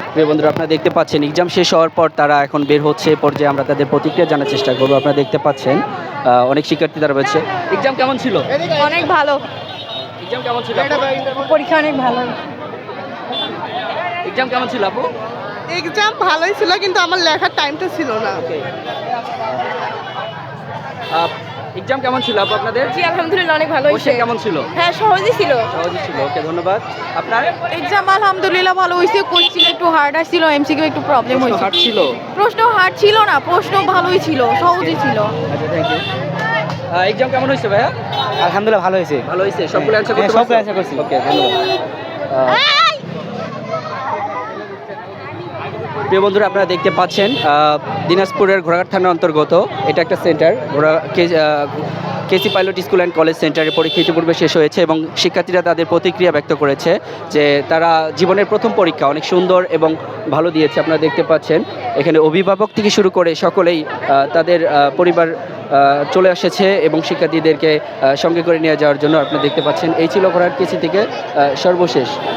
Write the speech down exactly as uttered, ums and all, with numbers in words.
প্রিয় বন্ধুরা, আপনারা দেখতে পাচ্ছেন এক্সাম শেষ হওয়ার পর তারা এখন বের হচ্ছে। এ পর্যায়ে আমরা তাদের প্রতিক্রিয়া জানার চেষ্টা করবো। আপনারা দেখতে পাচ্ছেন আহ, অনেক শিক্ষার্থী তারা রয়েছে। এক্সাম কেমন ছিল? অনেক ভালো। এক্সাম কেমন ছিল? পরীক্ষা অনেক ভালো। এক্সাম কেমন ছিল আপু? এক্সাম ভালোই ছিল, কিন্তু আমার লেখার টাইমটা ছিল না। এক্সাম কেমন ছিল আপু আপনাদের? জি আলহামদুলিল্লাহ অনেক ভালো কোশ্চেন কেমন ছিল? হ্যাঁ সহজই ছিল। সহজই ছিল। ওকে, ধন্যবাদ। আপনার এক্সাম আলহামদুলিল্লাহ ভালো হয়েছে। কোশ্চেন একটু হার্ড আসছিল, এমসিকিউ একটু প্রবলেম হয়েছে। হার্ড ছিল? প্রশ্ন হার্ড ছিল না, প্রশ্ন ভালোই ছিল, সহজই ছিল। আচ্ছা, থ্যাংক ইউ। এক্সাম কেমন হয়েছে ভাইয়া? আলহামদুলিল্লাহ ভালো হয়েছে। ভালো হয়েছে? সবগুলো অ্যানসার করতে হ্যাঁ, পারছো? সবগুলো answer করছি। ওকে, ধন্যবাদ। আহ, প্রিয় বন্ধুরা, আপনারা দেখতে পাচ্ছেন আহ, দিনাজপুরের ঘোড়াঘাট থানার অন্তর্গত এটা একটা সেন্টার, ঘোড়া K- ah, KC pilot school and college সেন্টারে পরীক্ষা ইতিপূর্বে শেষ হয়েছে এবং শিক্ষার্থীরা তাদের প্রতিক্রিয়া ব্যক্ত করেছে যে তারা জীবনের প্রথম পরীক্ষা অনেক সুন্দর এবং ভালো দিয়েছে। আপনারা দেখতে পাচ্ছেন এখানে অভিভাবক থেকে শুরু করে সকলেই আহ, তাদের আহ, পরিবার আহ, চলে এসেছে এবং শিক্ষার্থীদেরকে আহ, সঙ্গে করে নিয়ে যাওয়ার জন্য। আপনারা দেখতে পাচ্ছেন এই ছিল ঘোড়াঘাট কেসি থেকে আহ, সর্বশেষ